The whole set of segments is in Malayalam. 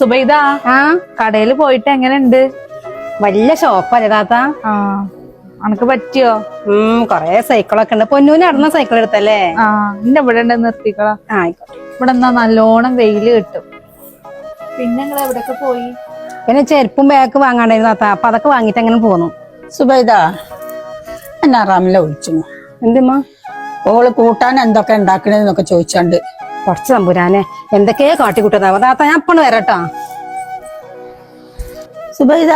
സുബൈദ കടയില് പോയിട്ട് എങ്ങനെയുണ്ട്? വലിയ ഷോപ്പല്ലേ താത്ത? അനക്ക് പറ്റിയോ? കൊറേ സൈക്കിളൊക്കെ ഉണ്ട്. പൊന്നൂന് നടന്ന സൈക്കിൾ എടുത്തല്ലേ? എന്റെ ഇവിടെ ഉണ്ട്, നിർത്തിക്കളാ. ആയിക്കോട്ടെ. ഇവിടെ എന്നാ നല്ലോണം വെയില് കിട്ടും. പിന്നെ നിങ്ങൾ എവിടെയൊക്കെ പോയി? പിന്നെ ചെരുപ്പും ബാഗ് വാങ്ങാണ്ടായിരുന്നു താത്ത. അപ്പൊ അതൊക്കെ വാങ്ങിട്ട് അങ്ങനെ പോന്നു. സുബൈദ എന്നെ റംല വിളിച്ചു. എന്തുമ്മ? ഓള് കൂട്ടാൻ എന്തൊക്കെ ഉണ്ടാക്കണെന്നൊക്കെ ചോദിച്ചാണ്ട്. കുറച്ച് തമ്പുരാനെ എന്തൊക്കെയോ കാട്ടിക്കൂട്ടുന്ന താത്ത. ഞാൻ അപ്പണ് വരട്ടോ. സുബൈദ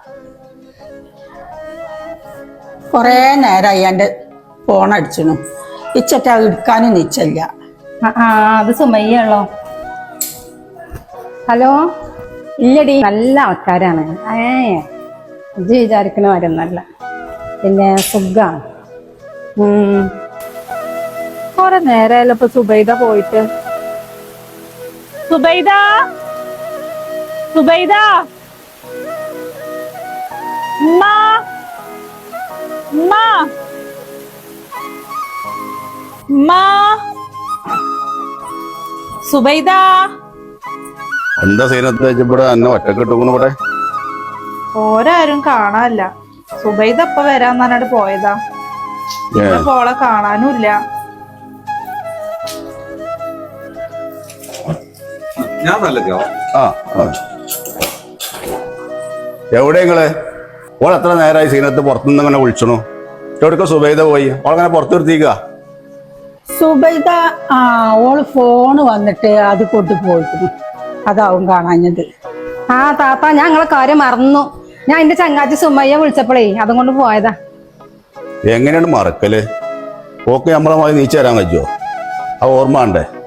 കൊറേ നേരമായി എന്റെ ഫോണടിച്ചു. ഇച്ചറ്റ എടുക്കാനും നിച്ചല്ല. അത് സുമയ്യാണല്ലോ. ഹലോ. ഇല്ലടി, നല്ല ആൾക്കാരാണ്. ഇജ്ജ് വിചാരിക്കണ വരൊന്നല്ല. പിന്നെ സുഖാണ്. കൊറേ നേരമല്ലോ ഇപ്പൊ സുബൈദ പോയിട്ട്. സുബൈദ സുബൈദ ഉമ്മ ഉമ്മ ഉമ്മ സുബൈദ. എന്താ സീനത്ത് ഇവിടെ എന്നെ ഒറ്റക്ക് ഇട്ടുകൊണ്ട് ഇവിടെ? ഓരാരും കാണാനില്ല. സുബൈദ ഇപ്പൊ വരാന്ന് പറഞ്ഞിട്ട് പോയതാ. പോളെ കാണാനുമില്ല. എവിടെ നിങ്ങള്? ഓൾ എത്ര നേരമായി സീനത്ത് പുറത്തുനിന്ന് ഇങ്ങനെ വിളിച്ചണു. എവിടേക്ക് സുബൈദ പോയി? ഓളങ്ങനെ പുറത്ത് നിർത്തിക്ക. സുബൈദ ഓള് ഫോണ് വന്നിട്ട് അത് കൊണ്ടു പോയിരുന്നു. അതാവും കാണാഞ്ഞത്. താത്ത, ഞാൻ നിങ്ങളെ കാര്യം മറന്നു. ഞാൻ എന്റെ ചങ്ങാച്ചി സുമയ്യ വിളിച്ചപ്പോഴേ അതും കൊണ്ട് പോയതാ. എങ്ങനെയാണ് മറക്കല്? ഓക്കെ നമ്മളെ നീച്ചു തരാൻ പറ്റുമോ? ആ ഓർമ്മ ഉണ്ടേ.